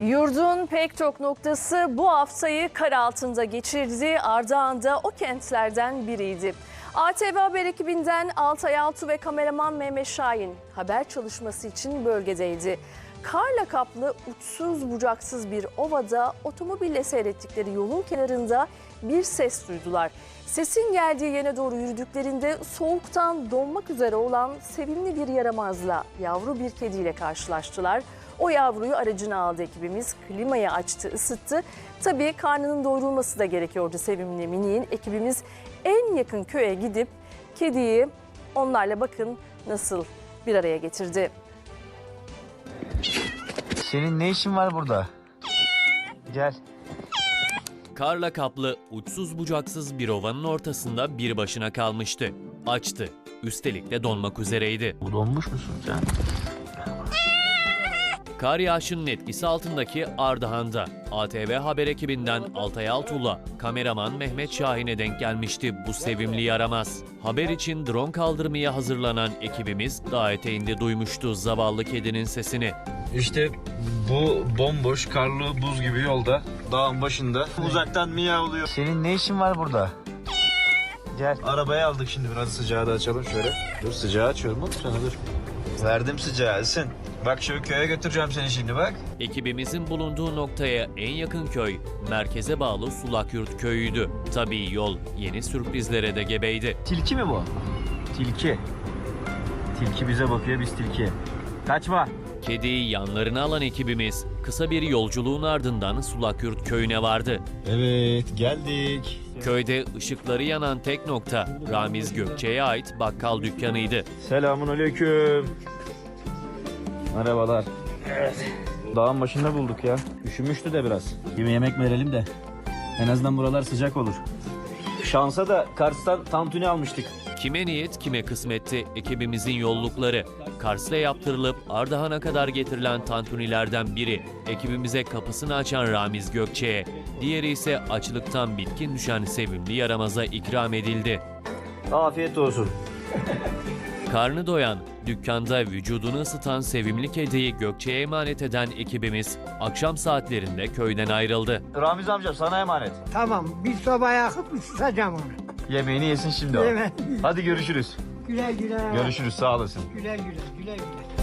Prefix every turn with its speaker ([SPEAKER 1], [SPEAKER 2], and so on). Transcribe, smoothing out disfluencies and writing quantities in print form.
[SPEAKER 1] Yurdun pek çok noktası bu haftayı kar altında geçirdi. Ardahan da o kentlerden biriydi. ATV Haber ekibinden Altay Altuğ ve kameraman Mehmet Şahin haber çalışması için bölgedeydi. Karla kaplı uçsuz bucaksız bir ovada otomobille seyrettikleri yolun kenarında bir ses duydular. Sesin geldiği yere doğru yürüdüklerinde soğuktan donmak üzere olan sevimli bir yaramazla, yavru bir kediyle karşılaştılar. O yavruyu aracına aldı ekibimiz, klimayı açtı, ısıttı. Tabii karnının doyurulması da gerekiyordu sevimli miniğin. Ekibimiz en yakın köye gidip kediyi onlarla bakın nasıl bir araya getirdi.
[SPEAKER 2] Senin ne işin var burada? Gel.
[SPEAKER 3] Karla kaplı, uçsuz bucaksız bir ovanın ortasında bir başına kalmıştı. Açtı. Üstelik de donmak üzereydi.
[SPEAKER 2] Donmuş musun sen?
[SPEAKER 3] Kar yağışının etkisi altındaki Ardahan'da ATV Haber ekibinden Altay Altuğ'la kameraman Mehmet Şahin'e denk gelmişti bu sevimli yaramaz. Haber için drone kaldırmaya hazırlanan ekibimiz dağ eteğinde duymuştu zavallı kedinin sesini.
[SPEAKER 2] İşte bu bomboş, karlı, buz gibi yolda, dağın başında uzaktan miyavlıyor. Senin ne işin var burada? Gel. Arabayı aldık şimdi, biraz sıcağı da açalım şöyle. Dur, sıcağı açıyorum oğlum sana, dur. Verdim sıcağı, ısın. Bak şu köye götüreceğim seni şimdi, bak.
[SPEAKER 3] Ekibimizin bulunduğu noktaya en yakın köy, merkeze bağlı Sulakyurt köyüydü. Tabii yol yeni sürprizlere de gebeydi.
[SPEAKER 2] Tilki mi bu? Tilki. Tilki bize bakıyor, biz tilkiye. Kaçma.
[SPEAKER 3] Kediyi yanlarına alan ekibimiz kısa bir yolculuğun ardından Sulakyurt köyüne vardı.
[SPEAKER 2] Evet, geldik.
[SPEAKER 3] Köyde ışıkları yanan tek nokta Ramiz Gökçe'ye ait bakkal dükkanıydı.
[SPEAKER 2] Selamünaleyküm. Merhabalar. Evet. Dağın başında bulduk ya. Üşümüştü de biraz. Yemek verelim de en azından buralar sıcak olur. Şansa da Kars'tan tantuni almıştık.
[SPEAKER 3] Kime niyet kime kısmetti ekibimizin yollukları. Kars'ta yaptırılıp Ardahan'a kadar getirilen tantunilerden biri ekibimize kapısını açan Ramiz Gökçe'ye, diğeri ise açlıktan bitkin düşen sevimli yaramaza ikram edildi.
[SPEAKER 2] Afiyet olsun.
[SPEAKER 3] Karnı doyan, dükkanda vücudunu ısıtan sevimli kediyi Gökçe'ye emanet eden ekibimiz akşam saatlerinde köyden ayrıldı.
[SPEAKER 2] Ramiz amca sana emanet.
[SPEAKER 4] Tamam, bir sobaya yakıp ısıtacağım onu.
[SPEAKER 2] Yemeğini yesin şimdi o.
[SPEAKER 4] Evet.
[SPEAKER 2] Hadi görüşürüz.
[SPEAKER 4] Güle güle.
[SPEAKER 2] Görüşürüz, sağ olasın.
[SPEAKER 4] Güle güle, güle güle.